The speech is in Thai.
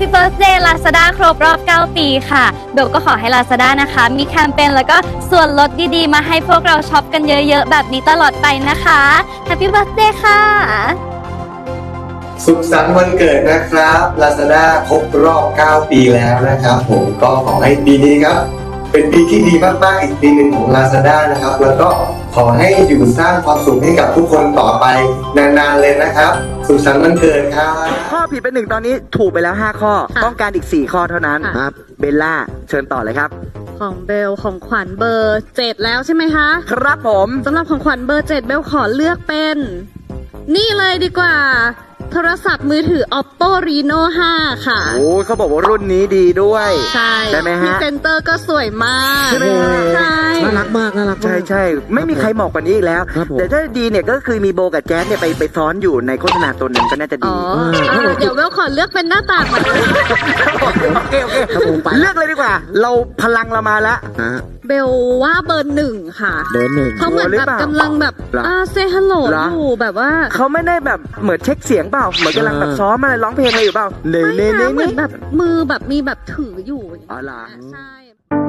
Happy Birthday Lazada ครบรอบ 9 ปีค่ะเบลก็ขอให้ Lazada นะคะมีแคมเปญแล้วก็ส่วนลดดีๆมาให้พวกเราช็อปกันเยอะๆแบบนี้ตลอดไปนะคะ Happy Birthday ค่ะสุขสันต์วันเกิดนะครับ Lazada ครบรอบ 9 ปีแล้วนะครับผมก็ขอให้ปีนี้ครับเป็นปีที่ดีมากๆอีกปีหนึ่งของ Lazada นะครับแล้วก็ขอให้อยู่สร้างความสุขให้กับทุกคนต่อไปนานๆเลยนะครับสุขสันต์วันเกิดครับข้อผิดไป1ตอนนี้ถูกไปแล้ว5ข้อต้องการอีก4ข้อเท่านั้นครับเบลล่าเชิญต่อเลยครับของเบลของขวัญเบอร์7แล้วใช่ไหมคะครับผมสำหรับของขวัญเบอร์7เบลขอเลือกเป็นนี่เลยดีกว่าโทรศัพท์มือถือ Oppo Reno 5 ค่ะโอ้เขาบอกว่ารุ่นนี้ดีด้วยใช่ไหมฮะพรีเซนเตอร์ก็สวยมากใช่ไหมใช่น่ารักมากใช่ไม่มีใครเหมาะกว่านี้อีกแล้วแต่ถ้าดีเนี่ยก็คือมีโบกับแจ๊สเนี่ยไปซ้อนอยู่ในโฆษณาตัวนึงก็น่าจะดีเดี๋ยวเบลขอเลือกเป็นหน้าต่างมาโอเคเลือกเลยดีกว่าเราพลังเรามาแล้วเบลว่าเบอร์1ค่ะเบอร์1 เขาเหมือนแบบกำลังแบบเซฮัลโหลอยู่แบบว่าเขาไม่ได้แบบเหมือนเช็คเสียงเปล่าเหมือนกำลังแบบซ้อมอะไรร้องเพลงอะไรอยู่เปล่าไม่นะเหมือนแบบมือแบบมีแบบถืออยู่อ๋อเหรอใช่